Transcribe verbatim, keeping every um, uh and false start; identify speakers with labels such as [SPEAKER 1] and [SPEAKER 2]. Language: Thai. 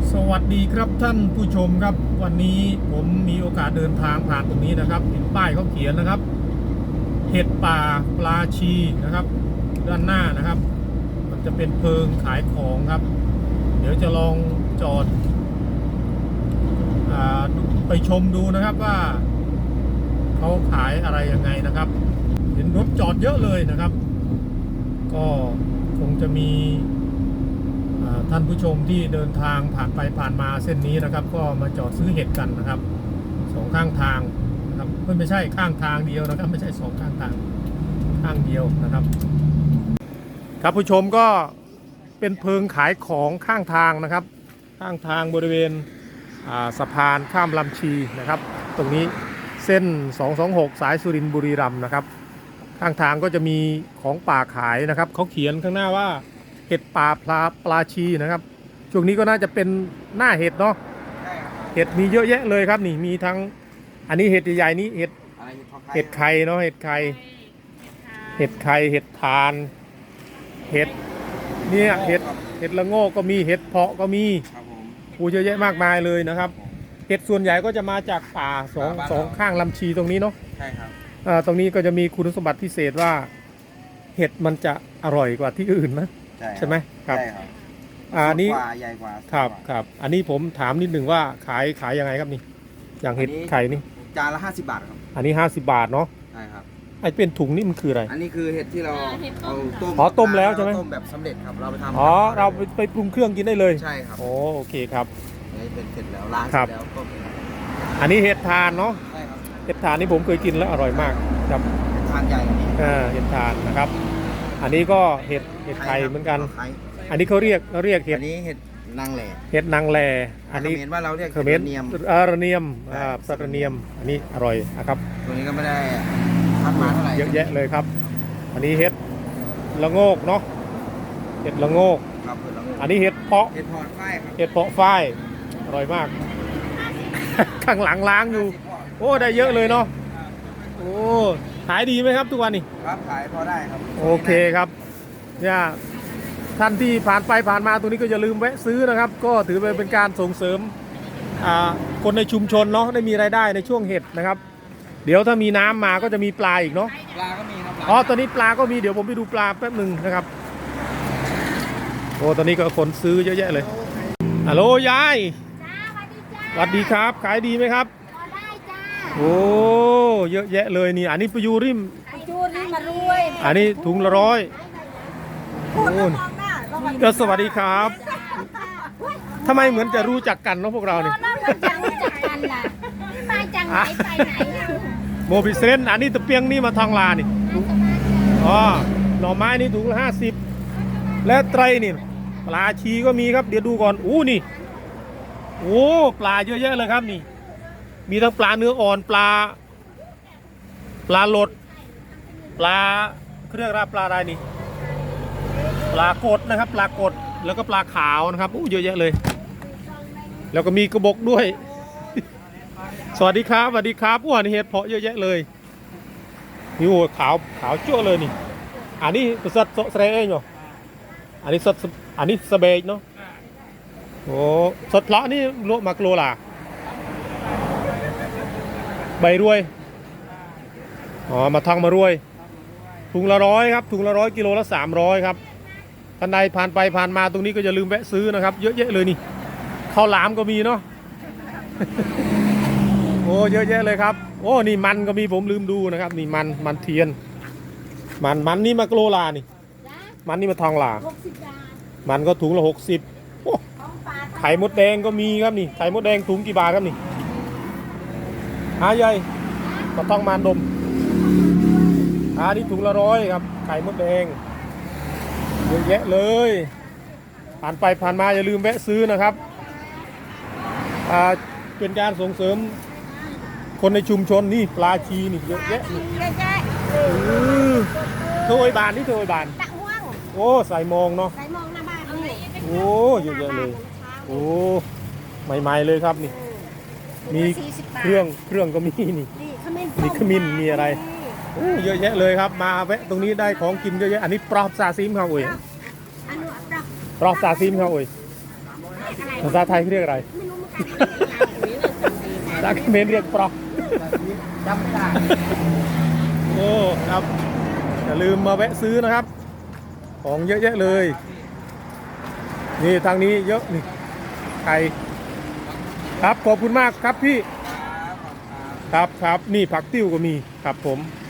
[SPEAKER 1] สวัสดีครับท่านผู้ชมครับวันนี้ผมมีโอกาสเดินทางผ่านตรงนี้นะครับเห็นป้ายเขาเขียนนะครับเห็ดป่าปลาชีนะครับด้านหน้านะครับมันจะเป็นเพิงขายของครับเดี๋ยวจะลองจอดอไปชมดูนะครับว่าเขาขายอะไรยังไงนะครับเห็นรถจอดเยอะเลยนะครับก็คงจะมีท่านผู้ชมที่เดินทางผ่านไปผ่านมาเส้นนี้นะครับก็มาจอดซื้อเห็ดกันนะครับสองข้างทางนะครับไม่ใช่ข้างทางเดียวนะครับไม่ใช่สองข้างทางข้างเดียวนะครับครับผู้ชมก็เป็นเพิงขายของข้างทางนะครับข้างทางบริเวณสะพานข้ามลำชีนะครับตรงนี้เส้นสองสองหกสายสุรินทร์บุรีรัมย์นะครับข้างทางก็จะมีของป่าขายนะครับเขาเขียนข้างหน้าว่าเห็ดป่าปลาปลาชีนะครับช่วงนี้ก็น่าจะเป็นหน้าเห็ดเนาะเห็ดมีเยอะแยะเลยครับนี่มีทั้งอันนี้เห็ดใหญ่ๆนี้เห็ดเห็ดไข่เนาะเห็ดไข่เห็ดไข่เห็ดทานเห็ดเนี่ยเห็ดเห็ดละโงกก็มีเห็ดเพาะก็มีปูเยอะแยะมากมายเลยนะครับเห็ดส่วนใหญ่ก็จะมาจากป่าสองสองข้างลำชีตรงนี้เนาะใช่ครับตรงนี้ก็จะมีคุณสมบัติพิเศษว่าเห็ดมันจะอร่อยกว่าที่อื่นนะใช่ไหมครับอันนี้ใหญ่กว่าครับครับอันนี้ผมถามนิดหนึ่งว่าขายขายยังไงครับนี่อย่างเห็ดไข่นี่
[SPEAKER 2] จานละห้าสิบบาทครับ
[SPEAKER 1] อันนี้ห้าสิบบาทเนาะ
[SPEAKER 2] ใช่ครับ
[SPEAKER 1] ไอเป็นถุงนี่มันคืออะไร
[SPEAKER 2] อันนี้คือเห็ดที่เราเอาต้ม
[SPEAKER 1] อ๋อต้มแล้วใช่ไหม
[SPEAKER 2] ต้มแบบสำเร็จครับเราไปทำ
[SPEAKER 1] อ๋อเราไปไปปรุงเครื่องกินได้เลย
[SPEAKER 2] ใช่ครับ
[SPEAKER 1] โอ้โอเคครับ
[SPEAKER 2] อันนี้เป็นเสร็จแล้วล้างเสร็จแล้วต้ม
[SPEAKER 1] อันนี้เห็ดทานเนาะ
[SPEAKER 2] ใช่ครับ
[SPEAKER 1] เห็ดทานนี่ผมเคยกินแล้วอร่อยมากครับ
[SPEAKER 2] เห็ดทานใหญ่อันนี้
[SPEAKER 1] อ่าเห็ดทานนะครับอันนี้ก็เห็ดเห็ดไข่เหมือนกันอันนี้เขาเรียกเราเรียกเห็ด
[SPEAKER 2] อันนี้เห็ดนางแหล่
[SPEAKER 1] เห็ดนางแหล่อันนี้
[SPEAKER 2] เขมรว่าเราเรียก
[SPEAKER 1] เขมรเนียมอ่าระเนียมอ่าสระเนียมอันนี้อร่อยนะครับ
[SPEAKER 2] ตัวนี้ก็ไม่ได้พัดมาเท่าไหร่
[SPEAKER 1] เยอะแยะเลยครับอันนี้เห็ดละโงกเนาะเห็ดละโงก
[SPEAKER 2] ครับเห็ดละโงก
[SPEAKER 1] อันนี้เห็ดเพาะ
[SPEAKER 2] เห็ดเพาะฝ้ายครับ
[SPEAKER 1] เห็ดเพาะฝ้ายอร่อยมากข้างหลังล้างอยู่โอ้ได้เยอะเลยเนาะโอ้ขายดีไหมครับทุกวันนี้
[SPEAKER 2] ครับขายพอได้ครับ
[SPEAKER 1] โอเคครับเนี่ยท่านที่ผ่านไปผ่านมาตรงนี้ก็อย่าลืมแวะซื้อนะครับก็ถือเป็นการส่งเสริมคนในชุมชนเนาะได้มีรายได้ในช่วงเห็ดนะครับเดี๋ยวถ้ามีน้ำมาก็จะมีปลาอีกเนาะ
[SPEAKER 2] ปลาก็มีครับ
[SPEAKER 1] อ๋อตอนนี้ปลาก็มีเดี๋ยวผมไปดูปลาแป๊บหนึ่งนะครับโอ้ตอนนี้ก็คนซื้อเยอะแยะเลยฮัลโหลยายสวัสดีครับขายดีไหมครับ
[SPEAKER 3] ได้จ้า
[SPEAKER 1] โอ้เยอะแยะเลยนี่อันนี้ปยูริม
[SPEAKER 3] ปยูริมมารวย
[SPEAKER 1] อันนี้ถุงละร้อย
[SPEAKER 3] โอ้
[SPEAKER 1] ก็สวัสดีครับทำไมเหมือนจะรู้จักกันเนาะพวกเราเนี่ย
[SPEAKER 3] รู้จักกันล่ะมาจังไหนไปไหน
[SPEAKER 1] โมบิเซนอันนี้ตะเปียงนี่มาทองลานี่อ๋อหน่อไม้นี่ถุงละห้าสิบและไตรนี่ปลาชีก็มีครับเดี๋ยวดูก่อนอู้นี่โอ้ปลาเยอะแยะเลยครับนี่มีทั้งปลาเนื้ออ่อนปลาปลาหลดปลาเครื่องราปลาอะไรนี่ปลากดนะครับปลากดแล้วก็ปลาขาวนะครับอู้เยอะแยะเลยแล้วก็มีกระบอกด้วยสวัสดีครับสวัสดีครับอ้วนเห็ดเพาะเยอะแยะเลยนี่โอ้ขาวขาวจั่วเลยนี่อันนี้สัตว์สเตรเองเหรออันนี้สัตว์อันนี้สเบจเนาะโอ้สัตว์เพาะนี่โลมากโลล่ะใบรวยอ๋อมาทางมารวยถุงละร้อยครับถุงละร้อยกิโลละสามร้อยครับท่านใดผ่านไปผ่านมาตรงนี้ก็อย่าลืมแวะซื้อนะครับเยอะแยะเลยนี่ข้าวหลามก็มีเนาะโอ้เยอะแยะเลยครับโอ้นี่มันก็มีผมลืมดูนะครับนี่มันมันเทียนมันมันนี่มาโกลลานี่มันนี่มาทองหลามันก็ถุงละหกสิบโอ้ไข่มดแดงก็มีครับนี่ไข่มดแดงถุงกี่บาทครับนี่หาใหญ่ก็ต้องมานดมอันนี้ถุงละร้อยครับไข่มดแดงเยอะแยะเลยผ่านไปผ่านมาอย่าลืมแวะซื้อนะครับเป็นการส่งเสริมคนในชุมชนนี่ปลาชีนี่เยอะแยะเทยบานนี่เทยบานโอ้ใส่มองเนาะ
[SPEAKER 3] ใส่มองหน้าบ้าน
[SPEAKER 1] โอ้เยอะแยะเลยโอ้ใหม่ๆเลยครับนี่มีเครื่องเครื่องก็มีนี่มีขมิ้นมีอะไรเยอะแยะเลยครับมาแวะตรงนี้ได้ของกินเยอะแยะอันนี้ปลอบซาซิมครับอุ้ยปลอบซาซิมครับอุ้ย
[SPEAKER 3] อะไร
[SPEAKER 1] ภาษาไทยเขาเรียกอะไร
[SPEAKER 3] ไม่รู้เหมือนกัน
[SPEAKER 1] ภาษาเขมรเรียกปลอก
[SPEAKER 2] จำไม่ได้
[SPEAKER 1] โอ้ครับอย่าลืมมาแวะซื้อนะครับ ของเยอะแยะเลย นี่ทางนี้เยอะนี่ไข่ครับขอบคุณมากครับพี่ครับครับนี่ผักติ้วก็มีครับผม